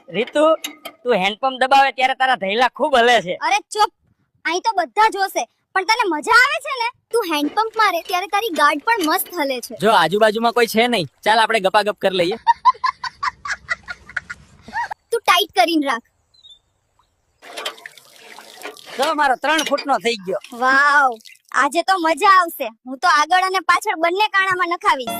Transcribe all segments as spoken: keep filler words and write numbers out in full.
રીતુ, તું હેન્ડપંપ દબાવે ત્યારે તારા ધૈલા ખૂબ હલે છે. અરે ચૂપ, અહીં તો બધા જોશે, પણ તને મજા આવે છે ને? તું હેન્ડપંપ મારે ત્યારે તારી ગાર્ડ પણ મસ્ત હલે છે. જો આજુબાજુમાં કોઈ છે નહીં, ચાલ આપણે ગપાગપ કરી લઈએ. તું ટાઈટ કરીને રાખ. જો મારો ત્રણ ફૂટનો થઈ ગયો. વાવ, આજે તો મજા આવશે. હું તો આગળ અને પાછળ બંને કાણામાં નખાવીશ.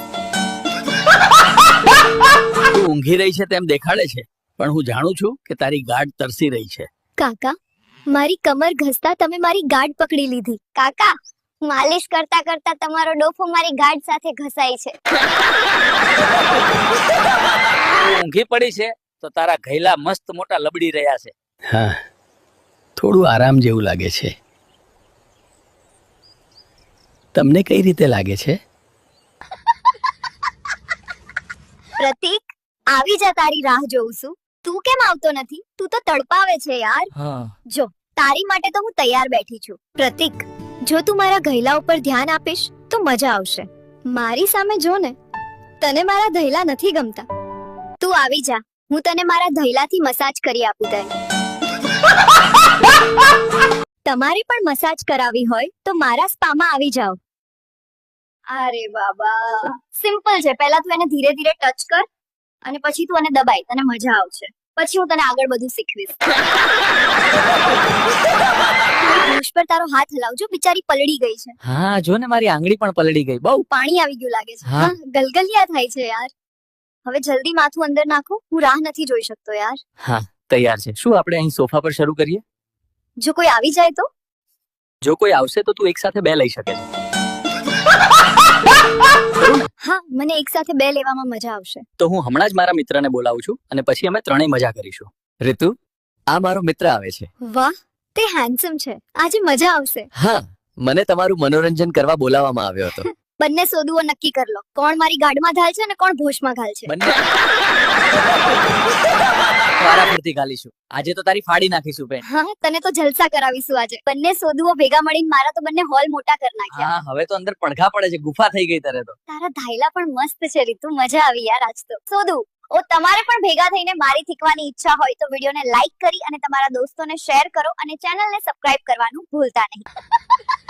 તું ઊંઘી રહી છે તેમ દેખાડે છે, પણ હું જાણું છું કે તારી ગાઢ તરસી રહી છે. કાકા, મારી કમર ઘસતા તમે મારી ગાર્ડ પકડી લીધી. કાકા, માલિશ કરતા કરતા તમારો ડોફો મારી ગાર્ડ સાથે ઘસાય છે. તું ઊંઘી પડી છે તો તારા ઘૈલા મસ્ત મોટા લબડી રહ્યા છે. હા, થોડું આરામ જેવું લાગે છે. તમને કઈ રીતે લાગે છે? પ્રતીક, આવી જા, તારી રાહ જોઉં છું. તું કેમ આવતો નથી? તું તો તડપાવે છે યાર. હા, જો, તારી માટે તો હું તૈયાર બેઠી છું. પ્રતીક, જો તું મારા ઘૈલા ઉપર ધ્યાન આપીશ તો મજા આવશે. મારી સામે જો ને, તને મારા ધૈલા નથી ગમતા. તું આવી જા, હું તને મારા ધૈલાથી મસાજ કરી આપું. તને તમારી પણ મસાજ કરાવી હોય તો મારા સ્પામાં આવી જાઓ. અરે બાબા, સિમ્પલ છે. પહેલા તું એને ધીરે ધીરે ટચ કર અને પછી તું એને દબાઈ. તને મજા આવશે. પછી હું તને આગળ બધું શીખવીશ. ધૂળ પર તારો હાથ હલાવજો, બિચારી પલળી ગઈ છે. હા, જો ને મારી આંગળી પણ પલળી ગઈ. બહુ પાણી આવી ગયું લાગે છે. હા. હા, ગલગલિયા થાય છે યાર. હવે જલ્દી માથું અંદર નાખો, હું રાહ નથી જોઈ શકતો યાર. હા, તૈયાર છે. શું આપણે અહીં સોફા પર શરૂ કરીએ? જો કોઈ આવી જાય તો? જો કોઈ આવશે તો તું એક સાથે બે લઈ શકે છે. હા, મને એક સાથે બે લેવામાં મજા આવશે. તો હું હમણાં જ મારા મિત્રને બોલાવું છું અને પછી અમે ત્રણેય મજા કરીશું. રીતુ, આ મારો મિત્ર આવે છે. વાહ, તે હેન્ડસમ છે. આજે મજા આવશે. હા, મને તમારું મનોરંજન કરવા બોલાવવામાં આવ્યો હતો. બંને સોદુઓ નક્કી કર લો, કોણ મારી ગાડમાં ઘાલ છે અને કોણ ભોશમાં ઘાલ છે. બંને વારાફરતી ગાલીશું. આજે તો તારી ફાડી નાખીશું બેન. હા, તને તો જલસા કરાવીશું આજે. બંને સોદુઓ ભેગા મળીને મારા તો બંને હોલ મોટા કરી નાખ્યા. હા, હવે તો અંદર પડઘા પડે છે. ગુફા થઈ ગઈ તારે તો. તારા ધાયલા પણ મસ્ત છે રીતુ, મજા આવી યાર આજ તો. સોદુ, ઓ તમારે પણ ભેગા થઈને મારી શીખવાની ઈચ્છા હોય તો વિડીયોને લાઈક કરી અને તમારા દોસ્તોને શેર કરો અને ચેનલને સબસ્ક્રાઇબ કરવાનું ભૂલતા નહીં.